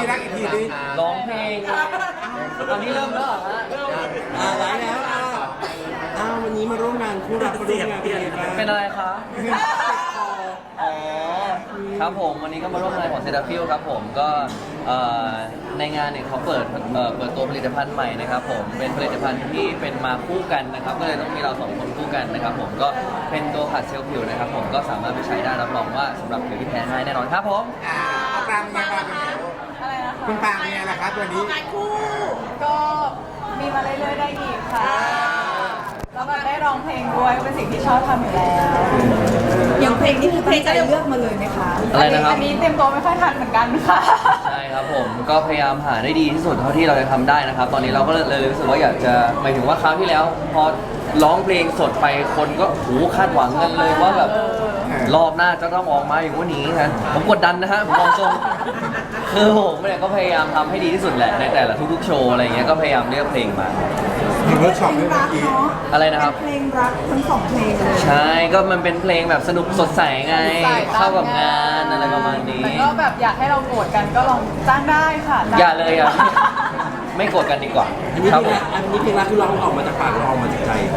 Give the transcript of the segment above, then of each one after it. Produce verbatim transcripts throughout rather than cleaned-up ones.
รักอีกทีดิร้องเพลงตอนนี้เริ่มแล้วเหรอฮะอ่าไลฟ์แล้วอ่าอ้าววันนี้มาร่วมงานคู่รักมาร่วมงานเป็นยังไงบ้างเป็นอะไรคะอ๋อครับผมวันนี้ก็มาร่วมงานของเซราฟิลครับผมก็เอ่อในงานเนี่ยเขาเปิดเอ่อเปิดตัวผลิตภัณฑ์ใหม่นะครับผมเป็นผลิตภัณฑ์ที่เป็นมาคู่กันนะครับก็เลยต้องมีเราสองคนคู่กันนะครับผมก็เป็นตัวขัดเซลล์ผิวนะครับผมก็สามารถไปใช้ได้รับรองว่าสำหรับผิวที่แพ้ง่ายแน่นอนครับผมอ่าเอาปรางเป็นไงบ้างอะไรนะคะคุณปรางเป็นไงล่ะครับตัวนี้งานคู่ก็มีมาเรื่อยๆได้อีกค่ะแล้วก็ได้ร้องเพลงด้วยก็เป็นสิ่งที่ชอบทำอยู่แล้วอย่างเพลงนี้คือเพลงจะเลือกมาเลยไหมคะอะไรนะครับอันนี้เตรียมตัวไม่ค่อยทันเหมือนกันค่ะใช่ครับผมก็พยายามหาได้ดีที่สุดเท่าที่เราจะทำได้นะครับ ตอนนี้เราก็เลยรู้สึกว่าอยากจะหมายถึงว่าคราวที่แล้ว พอร้องเพลงสดไปคนก็หูคาดหวังกันเลยว่าแบบรอบหน้าจะต้องออกมาอย่างว่านี้นะผมกดดันนะฮะผมมองตรงคือผมเนี่ยก็พยายามทำให้ดีที่สุดแหละในแต่ละทุกๆโชว์อะไรเงี้ยก็พยายามเลือกเพลงมามีเวิร์กช็อปด้วยเมื่อกี้อะไรนะครับเพลงรักทั้งสองเพลงเลยใช่ก็มันเป็นเพลงแบบสนุกสดใสไงสดใสเข้ากับงานอะไรประมาณนี้แต่ก็แบบอยากให้เราโกรธกันก็ลองจ้างได้ค่ะจ้งอย่าเลยอ่ะไม่โกรธกันดีกว่าอันนี้ครับเพลผงมอันนี้เพลงรักคือร้องออกมาจากปากเราออกมาจากใจครับ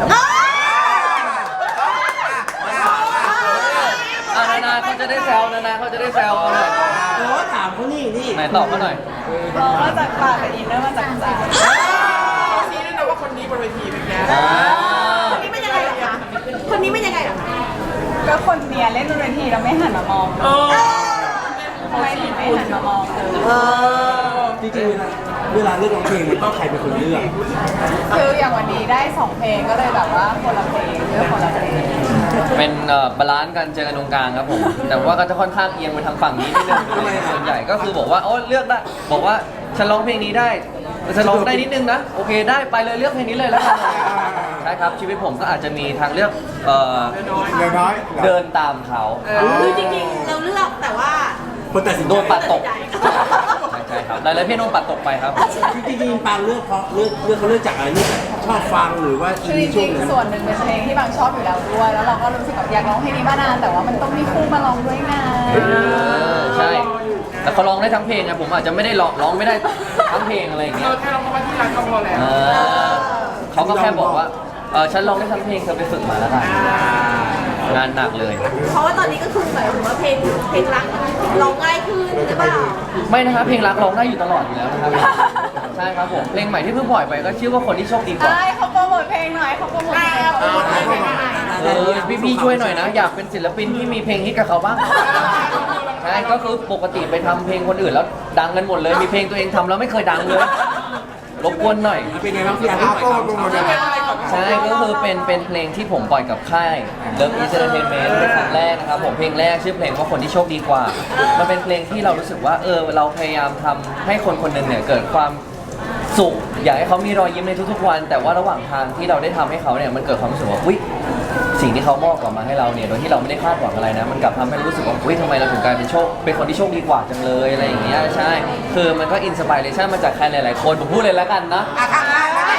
อ่ะนานาเขาจะได้แซวนานาเขาจะได้แซวเอาหน่อยโอ้ถามเขานี่นี่ไหนตอบมาหน่อยร้องมาจากปากแต่อินเนอร์มาจากใจชี้ด้วยนะว่าคนนี้บนเวทีเป็นไงอ่าคนนี้เป็นยังไงเหรอคะคนนี้เป็นยังไงเหรอคะก็คนเนี้ยเล่นบนเวทีแล้วไม่หันมามองทำไมถึงไม่หันมามองเลยจริงๆเวลาเวลาเลือกร้องเพลงมันต้องใครเป็นคนเลือกคืออย่างวันนี้ได้สองเพลงก็เลยแบบว่าคนละเพลงเลือกคนละเพลงเป็นเอ่อบาลานซ์กันเจอกันตรงกลางครับผม แต่ว่าก็จะค่อนข้างเอียงไปทางฝั่งนี้นิดนึงส่วนใหญ่ก็คือบอกว่าโอ้เลือกได้บอกว่าฉันร้องเพลงนี้ได้ฉันร้องได้นิดนึงนะโอเคได้ไปเลยเลือกเพลงนี้เลยแล้วกันใช่ครับชีวิตผมก็อาจจะมีทางเลือกเอ่อเล็กน้อยเดินตามเขาคือจริงๆ เราเลือกแต่ว่าคนตัดสินใจโดนปัดตกใช่ใช่ครับหลายๆเพลงโดนปัดตกไปครับจริงๆปางเลือกเพราะเลือกเลือกเขาเลือกจากอะไรเลือกจากชอบฟังหรือว่าอิคืนอจในช่วริงงนั้นๆส่วนหนึ่งเป็นเพลงที่บางชอบอยู่แล้วด้วย แล้วเราก็รู้สึกแบบอยากร้องเพลงนี้มานาน แต่ว่ามันต้องมีคู่มาร้องด้วยไงเออใช่แต่เขาร้องได้ทั้งเพลงไงผมอาจจะไม่ได้ร้องร้องไม่ได้ทั้งเพลงอะไรอย่างเงี้ยแค่เราเข้ามาที่ร้านก็พอแล้วเออเขาก็แค่บอกว่าเออฉันร้องได้ทั้งเพลงเธอไปฝึกมาแล้วกันงานหนักเลยเพราะว่าตอนนี้ก็คือหมายถึงว่าเพลงเพลงรักร้องง่ายขึ้นหรือเปล่าไม่นะครับเพลงรักร้องได้อยู่ตลอดอยู่แล้วนะครับใช่ครับผมเพลงใหม่ที่เพิ่งปล่อยไปก็ชื่อว่าคนที่โชคดีกว่าใช่เขาโปรโมทเพลงหน่อยเขาโปรโมทเพลงเขาโปรโมทเพลงหน่อยเออพี่พี่ๆช่วยหน่อยนะ อยากเป็นศิลปินที่มีเพลงฮิตกับเขาบ้างใช่ก็คือปกติไปทำเพลงคนอื่นแล้วดังกันหมดเลยมีเพลงตัวเองทำแล้วไม่เคยดังเลยรบกวนหน่อยเป็นไงบ้างพี่อาร์เอาที่ก็ปล่อยโปรโมทคำเลยใช่ก็คือเป็นเป็นเพลงที่ผมปล่อยกับค่าย Love Is Entertainment เป็นครั้งแรกนะครับผมเพลงแรกชื่อเพลงว่าคนที่โชคดีกว่า มันเป็นเพลงที่เรารู้สึกว่าเออเราพยายามทำให้คนคนหนึ่งเนี่ยเกิดความสุขอยากให้เขามีรอยยิ้มในทุกๆวัน แต่ว่าระหว่างทางที่เราได้ทำให้เขาเนี่ยมันเกิดความรู้สึกว่าอุ๊ยสิ่งที่เขามอบกลับมาให้เราเนี่ยโดยที่เราไม่ได้คาดหวังอะไรนะมันกลับทำให้เรารู้สึกว่าอุ๊ยทำไมเราถึงกลายเป็นโชคเป็นคนที่โชคดีกว่าจังเลยอะไรอย่างเงี้ยใช่คือมันก็อินสปิเรชันมาจากใครหลายๆคนผมพูดเลยแล้วกันนะอ่ะข้างล่างนะ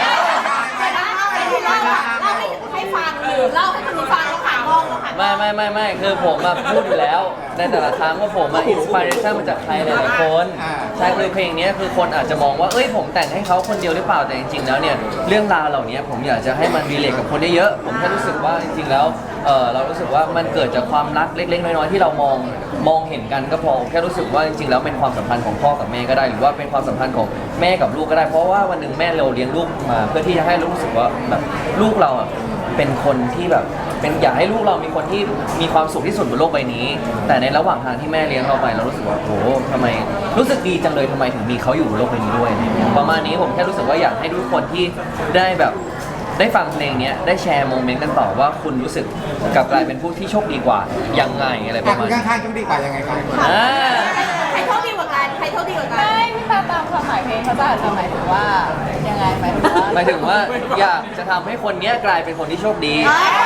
เล่าให้ให้ฟังหรือเล่าให้คนอื่นฟังเราผ่านมองเราผ่านไม่ไม่ไม่ไม่คือผมอะพูดอยู่แล้วในแต่ละครั้งว่าผมอะอินสปิเรชันมาจากใครหลายๆคนใช่คือเพลงนี้คือคนอาจจะมองว่าเอ้ยผมแต่งให้เขาคนเดียวหรือเปล่าแต่จริงๆแล้วเนี่ยเรื่องราวเหล่านี้ผมอยากจะให้มันรีเลทกับคนได้เยอะผมแค่รู้สึกว่าจริงๆแล้วเออเรารู้สึกว่ามันเกิดจากความรักเล็กๆน้อยๆที่เรามองมองเห็นกันก็พอแค่รู้สึกว่าจริงๆแล้วเป็นความสัมพันธ์ของพ่อกับแม่ก็ได้หรือว่าเป็นความสัมพันธ์ของแม่กับลูกก็ได้เพราะว่าวันหนึ่งแม่เราเลี้ยงลูกมาเพื่อที่จะให้รู้สึกว่าแบบลูกเราอะเป็นคนที่แบบเป็นอยากให้ลูกเรามีคนที่มีความสุขที่สุดบนโลกใบนี้ แต่ในระหว่างทางที่แม่เลี้ยงเราไปเรารู้สึกว่าโอ้โหทำไมรู้สึกดีจังเลยทำไมถึงมีเขาอยู่บนโลกใบนี้ด้วยประมาณนี้ผมแค่รู้สึกว่าอยากให้ทุกคนที่ได้แบบได้ฟังเพลงนี้ได้แชร์โมเมนต์กันต่อว่าคุณรู้สึกกลับกลายเป็นผู้ที่โชคดีกว่ายังไงอะไรปอ่ะระคุมาณณนี้ข้างๆโชคดีกว่ายังไงครับอ่าใครโชคดีกว่ากันใครโชคดีกว่ากันไม่พี่ตาตามความหมายเพลงเขาจะอาจจะหมายถึงว่ายังไงหมายถึงว่าหมายถึงว่าอยากจะทำให้คนนี้กลายเป็นคนที่โชคดี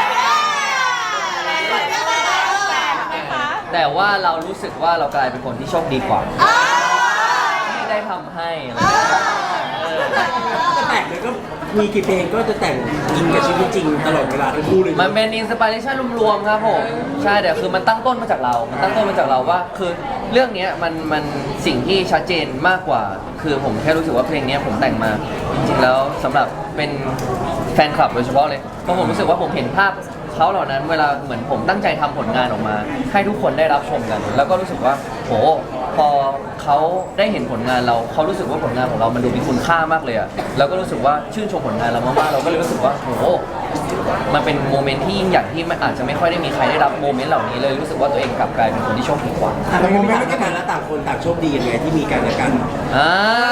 แต่ว่าเรารู้สึกว่าเรากลายเป็นคนที่โชคดีกว่าที่ได้ทำให้อะไรอย่างเงี้ยเออแต่แต่งเลยก็มีกี่เพลงก็จะแต่งอิงกับชีวิตจริงตลอดเวลาทั้งคู่เลยมันเป็นอินสปิเรชันรวมๆครับผมใช่แต่คือมันตั้งต้นมาจากเรา มันตั้งต้นมาจากเราว่าคือเรื่องเนี้ยมันมันสิ่งที่ชัดเจนมากกว่า คือผมแค่รู้สึกว่าเพลงเนี้ยผมแต่งมาจริงๆแล้วสำหรับเป็นแฟนคลับโดยเฉพาะเลยเพราะผมรู้สึกว่าผมเห็นภาพเขาเหล่านั้นเวลาเหมือนผมตั้งใจทำผลงานออกมา ให้ทุกคนได้รับชมกัน แล้วก็รู้สึกว่าโหพอเขาได้เห็นผลงานเราเขารู้สึกว่าผลงานของเรามันดูมีคุณค่ามากเลยอะแล้วก็รู้สึกว่าชื่นชมผลงานเรามากๆเราก็เลยรู้สึกว่าโหมันเป็นโมเมนต์ที่ยิ่งใหญ่ที่ไม่อาจจะไม่ค่อยได้มีใครได้รับโมเมนต์เหล่านี้เลยรู้สึกว่าตัวเองกลับกลายเป็นคนที่โชคดีกว่าอ่ะแล้วโมเมนต์ต่างกันแล้วต่างคนต่างโชคดียังไงที่มีกันและกันอ่า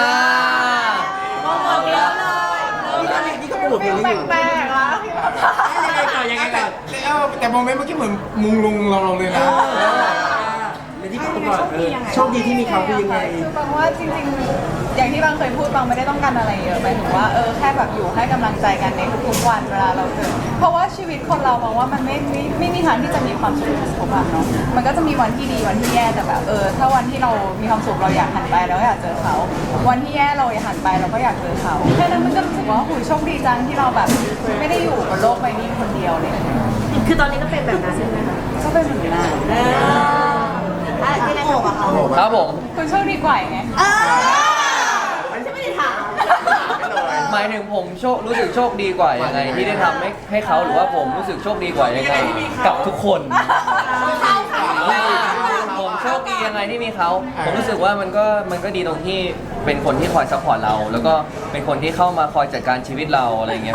บอกเยอะเลยนี่ก็นี่ก็โปรโมทเพลงนี้อยู่แปลกๆละยังไงก่อนยังไงแต่ก่อนเออแต่โมเมนต์เมื่อกี้เหมือนมุงลุงเราเราเลยนะในที่เขาบอกเออโชคดีที่มีเขาคือยังไงคือบางว่าจริงๆ อย่างที่บางเคยพูดบางไม่ได้ต้องการอะไรเยอะหมายถึงว่าเออแค่แบบอยู่ให้กำลังใจกันในทุกๆวันเวลาเราเจอเพราะว่าชีวิตคนเรามองว่ามันไม่ไม่ไม่มีทางที่จะมีความสุขทุกวันเนาะมันก็จะมีวันที่ดีวันที่แย่แต่แบบเออถ้าวันที่เรามีความสุขเราอยากหันไปเราก็อยากเจอเขาวันที่แย่เราอยากหันไปเราก็อยากเจอเขาแค่นั้นมันก็รู้สึกว่าหุยโชคดีจังที่เราแบบไม่ได้อยู่บนโลกใบนี้คนเดียวเลยคือตอนนี้ก็เป็นแบบนั้นใช่ไหมคะก็เป็นเหมือนกันเอออ่ะยังไงต่อคะครับผมคุณโชคดีกว่าไงเออฉันไม่ได้ถามหมายถึงผมโชครู้สึกโชคดีกว่ายังไงที่ได้ทำให้ให้เขาหรือว่าผมรู้สึกโชคดีกว่ายังไงกับทุกคนเข้าค่ะผมโชคดียังไงที่มีเขา ผมรู้สึกว่ามันก็มันก็ดีตรงที่เป็นคนที่คอยซัพพอร์ตเรา แล้วก็เป็นคนที่เข้ามาคอยจัดการชีวิตเราอะไรเงี้ย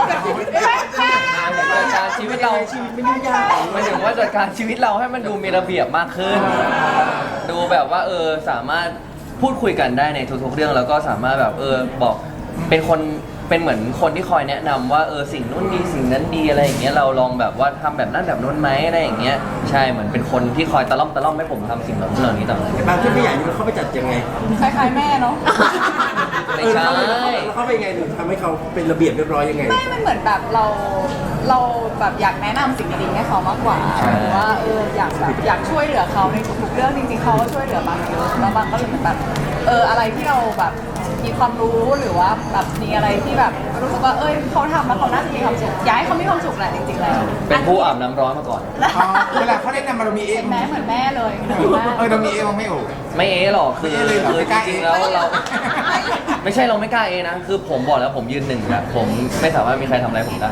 จัดการชีวิตเราชีวิตไม่ยุ่งยากหมายถึงว่าจัดการชีวิตเราให้มันดูมีระเบียบมากขึ้น ดูแบบว่าเออสามารถพูดคุยกันได้ในทุกๆเรื่องแล้วก็สามารถแบบเออบอกเป็นคนเป็นเหมือนคนที่คอยแนะนำว่าเออสิ่งนู้นดีสิ่งนั้นดีอะไรอย่างเงี้ยเราลองแบบว่าทำแบบนั้นแบบนู้นไหมอะไรอย่างเงี้ยใช่เหมือนเป็นคนที่คอยตะล่อมตะล่อมให้ผมทำสิ่งเหล่านี้เหล่านี้ต่อบางที่ไม่ใหญ่นี่มันเข้าไปจัดยังไงคล้ายๆแม่เนาะไม่เออใช่แล้วเข้าไปยังไงถึงทำให้เขาเป็นระเบียบเรียบร้อยยังไงไม่มันเหมือนแบบเราเราแบบอยากแนะนำสิ่งดีๆให้เขามากกว่าหรือว่าเอออยากแบบอยากช่วยเหลือเขาในทุกๆเรื่องจริงๆเขาก็ช่วยเหลือบางเยอะแล้วบางก็เลยเหมือนแบบเอออะไรที่เราแบบมีความรู้หรือว่าแบบมีอะไรที่แบบรู้สึกว่าเอ้ยเขาทำแล้วเขาน่าจะมีความสุขอยากให้เขามีความสุขแหละจริงๆแล้วเป็นผู้อาบน้ำร้อนมาก่อนอ๋อเวลาเขาแนะนำมาเรามีเองเป็นแม่เหมือนแม่เลยเออเรามีเองมั้งไม่โอ้ไม่เอะหรอกคือไม่เอะเลยเหรอคือไม่จกล้าริงๆเอะแล้วเรา ไม่ใช่เราไม่กล้าเอะนะ คือผมบอกแล้วผมยืนหนึ่งอะผมไม่สามารถมีใครทำอะไรผมได้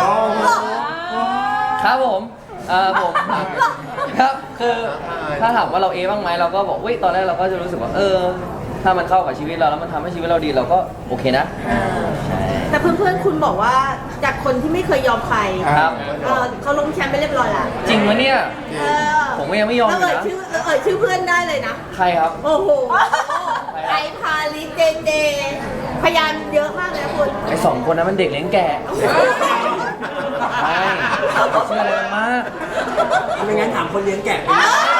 ครับผมเอ่อผมครับคือถ้าถามว่าเราเอะบ้างไหมเราก็บอกเว้ยตอนแรกเราก็จะรู้สึกว่าเออ ถ้ามันเข้ากับชีวิตเราแล้วมันทำให้ชีวิตเราดีเราก็โอเคนะแต่เพื่อนๆคุณบอกว่าจากคนที่ไม่เคยยอมใครครับเออเขาลงแชมป์ไปเรียบร้อยละจริงวะเนี่ยเออผมก็ยังไม่ยอมอยู่แล้วนะเอ่ยชื่อเอ่ยชื่อเพื่อนได้เลยนะใครครับโอ้โหไอพาลิเจนเดย์พยานเยอะมากเลยนะคุณไอสองคนนั้นมันเด็กเลี้ยงแกะใช่เชื่ออะไรมันมากไม่งั้นถามคนเลี้ยงแกะไป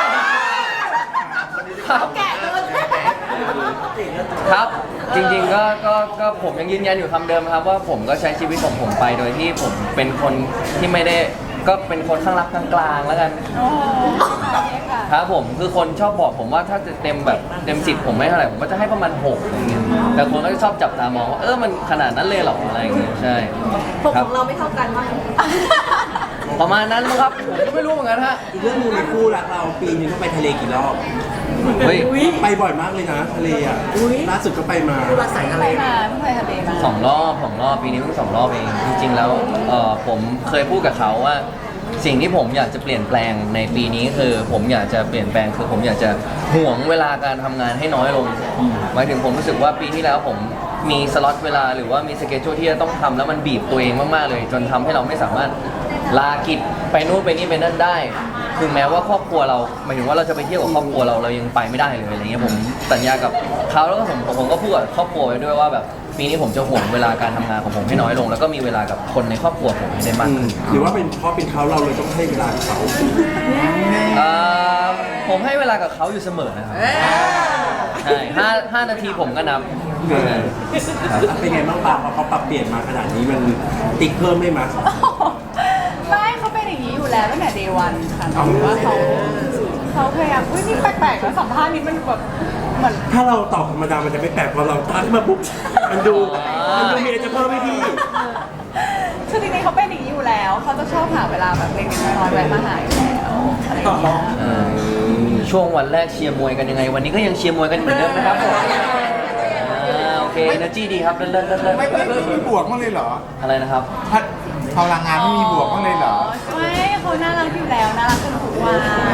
ครับแกะโดนครับ จริงๆก็ก็ก็ผมยังยืนยันอยู่คำเดิมครับว่าผมก็ใช้ชีวิตของผมไปโดยที่ผมเป็นคนที่ไม่ได้ก็เป็นคนข้างรักข้างกลางแล้วกันโอ้โหค่ะครับผมคือคนชอบบอกผมว่าถ้าจะเต็มแบบเต็มสิบผมไม่เท่าไหร่ผมก็จะให้ประมาณหกอะไรเงี้ยแต่คนก็จะชอบจับตามองว่าเออมันขนาดนั้นเลยเหรออะไรอย่างเงี้ยใช่ผมครัขบองเราไม่เท่ากันมั้งประมาณนั้นมั้งครับผมก็ไม่รู้เหมือนกันฮะอีกเรื่องหนึงในคู่รักเราปีนึงต้องไปทะเลกี่รอบเฮ้ยไปบ่อยมากเลยนะทะเลอ่ะล่าสุดก็ไปมาไปมาเพิ่งไปทะเลมาสองรอบสองรอบปีนี้เพิ่งสองรอบเองจริงๆแล้วเออผมเคยพูดกับเขาว่า สิ่งที่ผมอยากจะเปลี่ยนแปลงในปีนี้คือผมอยากจะเปลี่ยนแปลงคือผมอยากจะห่วงเวลาการทำงานให้น้อยลงหมายถึงผมรู้สึกว่าปีที่แล้วผมมีสล็อตเวลาหรือว่ามีสเกจจูที่จะต้องทำแล้วมันบีบตัวเองมากๆเลย จนทำให้เราไม่สามารถลากิจไปนู่นไปนี่ไปนั่นได้ คือแม้ว่าครอบครัวเราหมายถึงว่าเราจะไปเที่ยวกับครอบครัวเราเรายังไปไม่ได้เลยอะไรเงี้ยผมสัญญากับเขาแล้วก็ผมผมก็พูดกับครอบครัวไว้ด้วยว่าแบบปีนี้ผมจะห่วงเวลาการทำงานของผมให้น้อยลง แล้วก็มีเวลากับคนในครอบครัวผมให้ได้มากขึ้นหรือว่าเป็นเพราะเป็นเขาเราเลยต้องให้เวลากับเขาเอ่อผมให้เวลากับเขาอยู่เสมอนะครับใช่ห้าห้านาทีผมก็นับเป็นไงบ้างปาพอเขาปรับเปลี่ยนมาขนาดนี้มันติ๊กเพิ่มได้ไหมไม่เขาเป็นอย่างนี้อยู่แล้วตั้งแต่ day one ค่ะหมายถึงว่าเขาเขาพยายามอุ้ยนี่แปลกๆแล้วสัมภาษณ์นี้มันแบบเหมือนถ้าเราตอบธรรมดามันจะไม่แปลกพอเราทักมาปุ๊บมันดูมันดูมีอะไรจะเพิ่มให้พี่คือจริงๆเขาเป็นอย่างนี้อยู่แล้วเขาจะชอบหาเวลาแบบเล็กๆน้อยๆแวะมาหาอยู่แล้วอะไรอย่างเงี้ยเออช่วงวันแรกเชียร์มวยกันยังไง วันนี้ก็ยังเชียร์มวยกันเหมือนเดิมนะครับผมอ่าโอเค energy ดีครับเลิศเลิศเลิศเลิศไม่ไม่ไม่มีบวกบ้างเลยเหรออะไรนะครับถ้าพลังงานไม่มีบวกบ้างเลยเหรอไม่เขาน่ารักอยู่แล้วน่ารักจนทุกวัน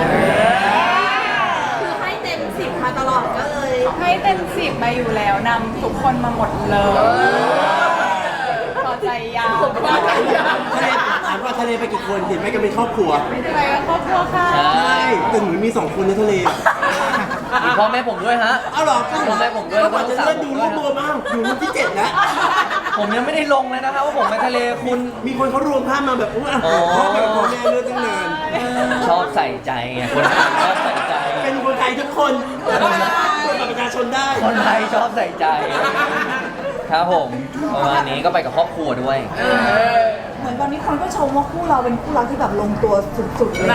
คือให้เต็มสิบมาตลอดก็เลยให้เต็มสิบมาอยู่แล้วนำทุกคนมาหมดเลยพอใจยาวทะเลถามว่าทะเลไปกี่คนเห็นไหมกันเป็นครอบครัวไปกับครอบครัวค่ะใช่ใช่แต่หนูมีสองคนในทะเลอะมีพ่อแม่ผมด้วยฮะเอาเหรอพ่อแม่ผมด้วยแล้วก็ก่อนลูจะกสาวเลื่อนผดูมรูด้วยปรวมมากอยู่รูปที่เจ็ดแล้วผมยังไม่ได้ลงเลยนะครับว่าผมไปทะเลคุณมีคนเขารวมภาพมาแบบว่าอ๋อพ่อกับพ่อแม่เลื่อนตั้งนานชอบใส่ใจไงคนไทยชอบใส่ใจเป็นคนไทยทุกคนคนบัตรประชาชนได้คนไทยชอบใส่ใจ ครับผมประมาณนี้ก็ไปกับครอบครัวด้วยเหมือนตอนนี้คนก็ชมว่าคู่เราเป็นคู่รักที่แบบลงตัวสุดๆเลย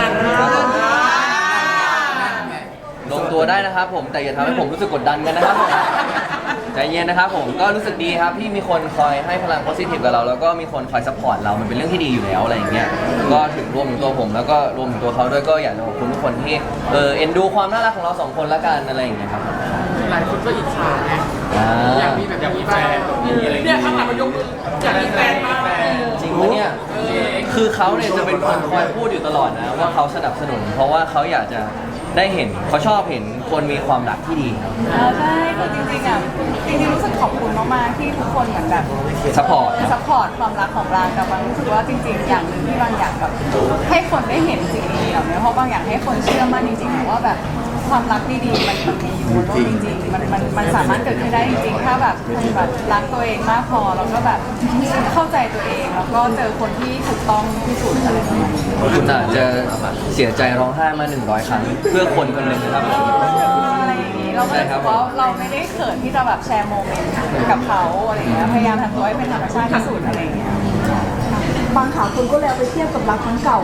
ลงตัวได้นะครับผมแต่อย่าทำให้ผมรู้สึกกดดันกันนะครับผมใจเย็นนะครับผมก็รู้สึกดีครับที่มีคนคอยให้พลังโพสิทีฟกับเรา แล้วก็มีคนคอยซัพพอร์ตเรามันเป็นเรื่องที่ดีอยู่แล้วอะไรอย่างเงี้ยก็ถึงรวมถึงตัวผมแล้วก็รวมถึงตัวเขาด้วยก็อยากจะขอบคุณทุกคนที่เออเอ็นดูความน่ารักของเราสองคนละกันอะไรอย่างเงี้ยครับหลายคนก็อิจฉาไงอ่าอยากมีแบบนี้บ้างเนี่ยข้างหลังมันยกมืออยากมีแฟนมากจริงปะเนี่ยคือเขาเนี่ยจะเป็นคนคอยพูดอยู่ตลอดนะว่าเขาสนับสนุน เพราะว่าเขาอยากจะได้เห็นเขาชอบเห็นคนมีความรักที่ดีครับอ่าใช่คือจริงๆอ่ะจริงๆรู้สึกขอบคุณมากๆที่ทุกคนเหมือนแบบซัพพอร์ตซัพพอร์ตความรักของเราแต่บางรู้สึกว่าจริงๆ อย่างหนึ่งที่บางอยากแบบให้คนได้เห็นสิ่งดีๆเหล่านี้เพราะบางอยากให้คนเชื่อมั่นจริงๆว่าแบบความรักดีๆมันมันมีอยู่บนโลกจริงๆมันมันมันสามารถเกิดขึ้นได้จริงๆถ้าแบบคุณแบบรักตัวเองมากพอแล้วก็แบบเข้าใจตัวเองแล้วก็เจอคนที่ถูกต้องที่สุดอะไรประมาณนี้คุณอาจจะเสียใจร้องไห้มาหนึ่งร้อยครั้งเพื่อคนคนหนึ่งนะครับผมอะไรอย่างนี้เราก็รู้สึกว่าเราไม่ได้เขินที่จะแบบแชร์โมเมนต์กับเขาอะไรอย่างเงี้ยพยายามทำตัวให้เป็นธรรมชาติที่สุดอะไรอย่างเงี้ยบางข่าวคุณก็เลยเอาไปเทียบกับรักครั้งเก่า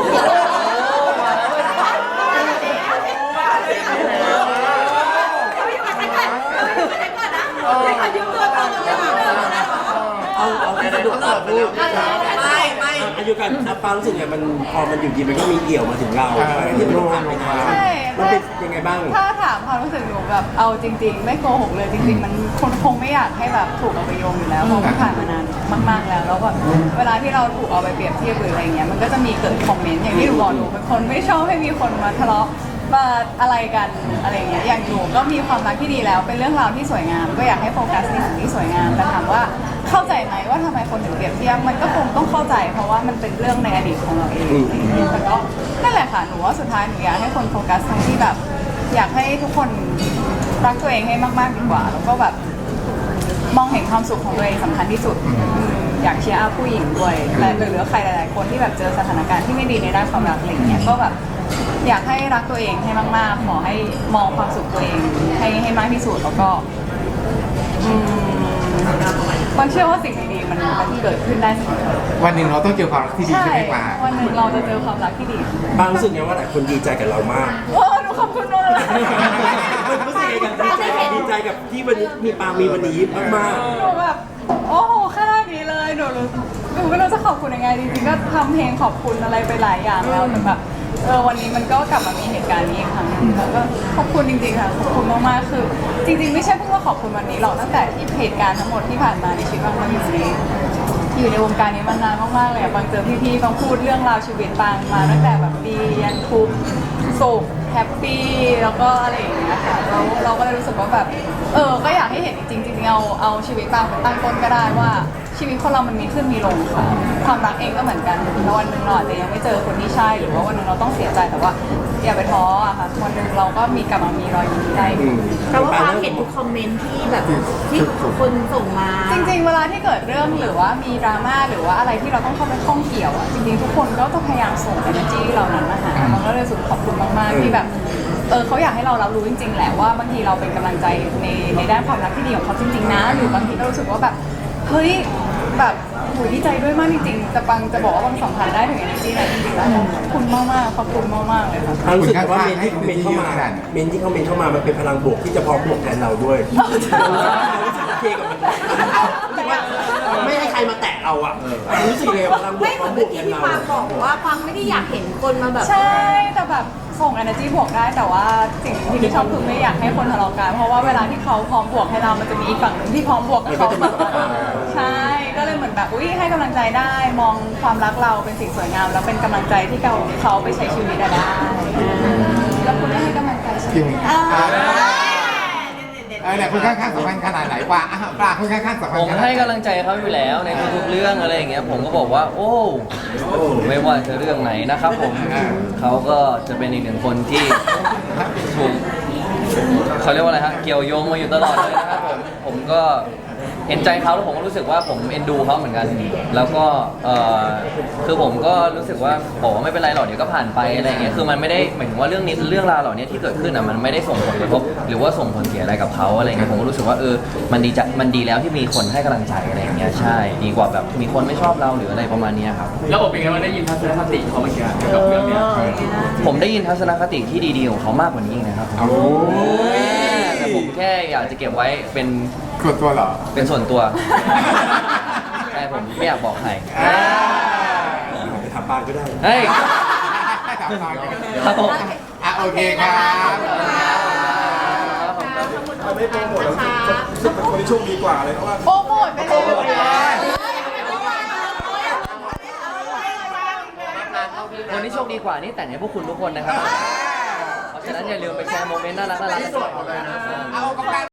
เอาเอาที่สะดวกเอาพูดไม่ไม่อายุกันอาปารู้สึกไงมันพอมันอยู่ดีมันก็มีเกี่ยวมาถึงเราที่มันผ่านไปนานใช่มันเป็นยังไงบ้างถ้าถามความรู้สึกหนูแบบเอาจริง ๆ ไม่โกหกเลยจริง ๆ มันคนคงไม่อยากให้แบบถูกเอาไปโยงอยู่แล้วเพราะมันผ่านมานานมาก ๆแล้วแล้วก็เวลาที่เราถูกเอาไปเปรียบเทียบหรืออะไรเงี้ยมันก็จะมีเกิดคอมเมนต์อย่างที่หนูบอกหนูเป็นคนไม่ชอบให้มีคนมาทะเลาะมาอะไรกันอะไรเงี้ยอย่างหนูก็มีความรักที่ดีแล้ว เป็นเรื่องราวที่สวยงาม ก็อยากให้โฟกัสในสิ่งที่สวยงามแต่ถามว่าเข้าใจไหมว่าทำไมคนถึงเปรียบเทียบมันก็คงต้องเข้าใจ เพราะว่ามันเป็นเรื่องในอดีตของเราเองอะไรเงี้ยแต่ก็นั่นแหละค่ะหนูว่าสุดท้ายหนูอยากให้คนโฟกัสตรงที่แบบ อยากให้ทุกคนรักตัวเองให้มากๆดีกว่า แล้วก็แบบมองเห็นความสุขของตัวเองสำคัญที่สุดอืมอยากเชียร์อัพผู้หญิงด้วยและหรือใครหลาย ๆ คนที่แบบเจอสถานการณ์ที่ไม่ดีในด้านความรักอะไรอย่างเงี้ยก็แบบอยากให้รักตัวเองให้มากๆขอให้มองความสุขตัวเองให้ให้มากที่สุดแล้วก็อืมบางเชื่อว่าสิ่งดีๆมันมันเกิดขึ้นได้เสมอวันหนึ่งเราต้องเจอความรักที่ดีใช่ใช่ไหมปาวันหนึ่งเราจะเจอความรักที่ดีปารู้สึกไงว่าหลายคนดีใจกับเรามากโอ้หนูขอบคุณมากเลยรู้สึกไงกับดีใจดีใจกับที่วันนี้มีปามีวันนี้มากหนูแบบโอ้โหขนาดนี้เลยหนูรู้หนูไม่รู้จะขอบคุณยังไงจริงๆก็ทำเพลงขอบคุณอะไรไปหลายอย่างแล้วแต่แบบเออวันนี้มันก็กลับมามีเหตุการณ์นี้อีกครั้งหนึงแล้วก็ขอบคุณจริงๆค่ะขอบคุณมากๆคือ จริง ๆ ไม่ใช่เพิ่งว่าขอบคุณวันนี้หรอกตั้งแต่ที่เหตุการณ์ทั้งหมดที่ผ่านมาในชีวิตบางมาอยู่ในอยู่ในวงการนี้มานานมากๆเลยอะบางเจอพี่ๆบางพูดเรื่องราวชีวิตบางมาตั้งแต่แบบดียันทุกข์สุขแฮปปี้แล้วก็อะไรอย่างเงี้ยค่ะเราเราก็เลยรู้สึกว่าแบบเออก็อยากให้เห็นจริงๆจริงๆเอาเอาชีวิตบางเป็นตั้งต้นก็ได้ว่าชีวิตคนเรามันมีขึ้นมีลงค่ะความรักเองก็เหมือนกันแล้ววันหนึ่งเราอาจจะยังไม่เจอคนที่ใช่หรือว่าวันหนึ่งเราต้องเสียใจแต่ว่าอย่าไปท้ออะค่ะวันหนึ่งเราก็มีกลับมามีรอยยิ้มได้ๆอืมแต่ว่าฟังเห็นทุกคอมเมนต์ที่แบบที่คนส่งมาจริงๆ เวลาที่เกิดเรื่องหรือว่ามีดราม่าหรือว่าอะไรที่เราต้องเข้าไปข้องเกี่ยวอ่ะจริงๆ ทุกคนก็จะพยายามส่ง energy เหล่านั้นมาหามันก็เลยรู้สึกขอบคุณมากๆที่แบบเออเขาอยากให้เรารับรู้จริงๆ แหละว่าบางทีเราเป็นกำลังใจในในด้านความรักที่ดีของเขาจริงๆ นะ หรือบางทีก็รู้สึกว่าแบบเฮ้ยแบบโหดีใจด้วยมากจริงๆจะปังจะบอกว่าบางสัมผัสได้ถึง energy ไหนจริงๆแล้วขอบคุณมากๆขอบคุณมากๆเลยค่ะรู้สึกว่าเมนที่เมนเข้ามาเมนที่เขาเมนเข้ามามันเป็นพลังบวกที่จะพร้อมบวกแทนเราด้วยรู้สึกโอเคกับมันรู้สึกว่าไม่ให้ใครมาแตะเราอ่ะรู้สึกเลยพลังบวไม่กเหพมืร้ออน มบเมื่วอก กี้แทนที่เราปางบอกว่าปางไม่ได้อยากเห็นคนมาแบบใช่แต่แบบส่ง energy บวกได้แต่ว่าสิ่งที่ชอบคือไม่อยากให้คนทะเลาะกันเพราะว่าเวลาที่เขาพร้อมบวกให้เรามันจะมีอีกฝั่งหนึ่งที่พร้อมบวกกับเขาใช่ก็เลยเหมือนแบบอุ้ยให้กำลังใจได้มองความรักเราเป็นสิ่งสวยงามแล้วเป็นกำลังใจที่เขาเขาไปใช้ชีวิตได้แล้วคุณได้ให้กำลังใจใช่ไหมจริงเออเนี่ยคุณข้างๆสำคัญขนาดไหนกว่าอ่ะปลาคุณข้างๆสำคัญผมให้กำลังใจเขาอยู่แล้วในทุกๆเรื่องอะไรอย่างเงี้ยผมก็บอกว่า โอ้ไม่ว่าจะเรื่องไหนนะครับผมเขาก็จะเป็นอีกหนึ่งคนที่ถูกเขาเรียกว่าอะไรฮะเกี่ยวโยงมาอยู่ตลอดเลยนะครับผมผมก็เห็นใจเขาแล้วผมก็รู้สึกว่าผมเอ็นดูเขาเหมือนกัน แล้วก็เออคือผมก็รู้สึกว่าบอกว่าไม่เป็นไรหรอกเดี๋ยวก็ผ่านไปอะไรอย่างเงี้ยคือมันไม่ได้หมายถึงว่าเรื่องนี้เรื่องราวเหล่านี้ที่เกิดขึ้นอ่ะมันไม่ได้ส่งผลกระทบหรือว่าส่งผลเสียอะไรกับเขาอะไรเงี้ยผมก็รู้สึกว่าเออมันดีจะมันดีแล้วที่มีคนให้กำลังใจอะไรอย่างเงี้ยใช่ดีกว่าแบบมีคนไม่ชอบเราหรืออะไรประมาณเนี้ยครับแล้วอบเป็นไงว่างได้ยินทัศนคติเขาเมื่อกี้เกี่ยวกับเรื่องเนี้ยผมได้ยินทัศนคติที่ดีๆของเขามากกว่านี้อีกนะครับผมโอ้ยแต่ผมแค่อยากจะเก็บไว้เป็นส่วนตัวเหรอเป็นส่วนตัวใช่ผมไม่อยากบอกใครไปถามปางก็ได้เฮ้ยถามน้อยครับผมอ่ะโอเคครับไม่โปรโมทแล้วรู้สึกเป็นคนที่โชคดีกว่าเลยเพราะว่าโปรโมทไปเลยคนที่โชคดีกว่านี่แต่งให้พวกคุณทุกคนนะครับ เพราะฉะนั้นอย่าลืมไปแชร์โมเมนต์น่ารักน่ารักกันด้วยเอาโอ